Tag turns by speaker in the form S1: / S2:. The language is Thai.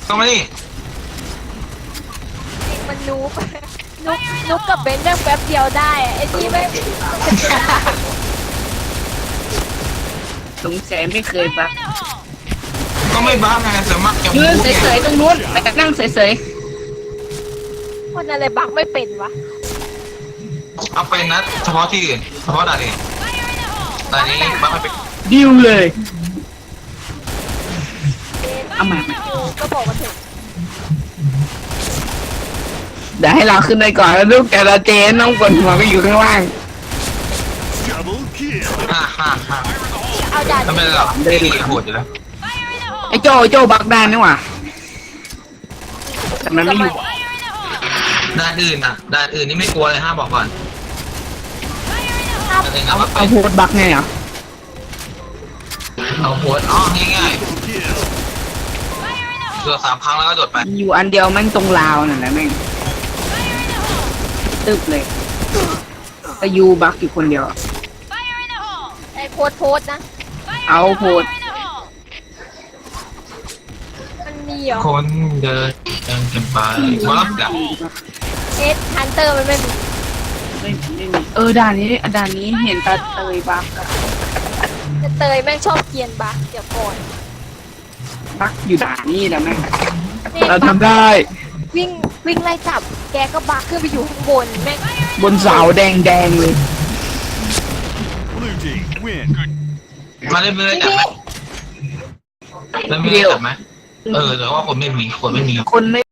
S1: ก็ไม่ดิ
S2: มันนูบนุบกับเบนซ์แป๊บเดียวได้ไอ้ที่ไม่
S3: สงสัยไม่เคยปะ
S1: ก็ไม่บ้าไงสมัครจะ
S3: ยืน
S1: พูด
S3: เฉยๆตรงนู้นไปนั่งเฉย
S2: คนอะไรบักไม่เป็นวะ
S1: เอาไปนะเฉพาะที่อื่นเฉพาะด่านนี้ด่านนี้บ้าไม่เป็น
S3: ๆดิวเลย เอามา
S2: ก็บอกมาถึง
S3: เดี๋ยวให้เราขึ้นไปก่อนแล้วลูกแต่ละเจนน้องกดหัวก็อยู่ข้างล่าง
S4: Double kill.
S1: ฮ่าฮ่า
S2: เอาด่าน
S1: ทำไมหรอกได้ดีโหดอยู่แล้ว
S3: ไอ้โจบักได้นี่หว่าแต่มันไม่อยู่
S1: ด่านอื่นอ่ะด่านอื่นนี่ไม่กลัวเลยห้าบอกก่อนด่านอื่นเอามาไป
S3: เอาโพดบักไงอ่ะ
S1: เอาโหดอ๋อง่าย
S4: Kill.
S1: ๆตัว3 ครั้งแล้วก็โดดไป
S3: อยู่อันเดียวแม่งตรงราวนั่นแหละแม่งตึบเลยแต่ยูบักอยู่คนเดียว
S2: ไอ้โพสนะ
S3: เอาโพด
S2: มันมีเหรอ
S1: คนเดินกันไปบล็อกอ่ะ
S2: เอสฮันเตอร์มันไม่มี
S3: ไม่มีด่านนี้เห็นตาเตยบักอะ
S2: แต่เตยแม่งชอบเกรียนบักเดี๋ยวก่อน
S3: บักอยู่ด่านนี้แล้วแม่ง
S2: นี่
S3: เราทำได้
S2: วิ่งไล่จับแกก็บักขึ้นไปอยู่ข้างบนแม่ง
S3: บนเสาแดงเลย
S4: Blue team win.
S1: มาเล่นไม่ได้จับไหมเล่นไม่ได้จับไหมแต่ว่าคนไม่มี
S3: คนไม่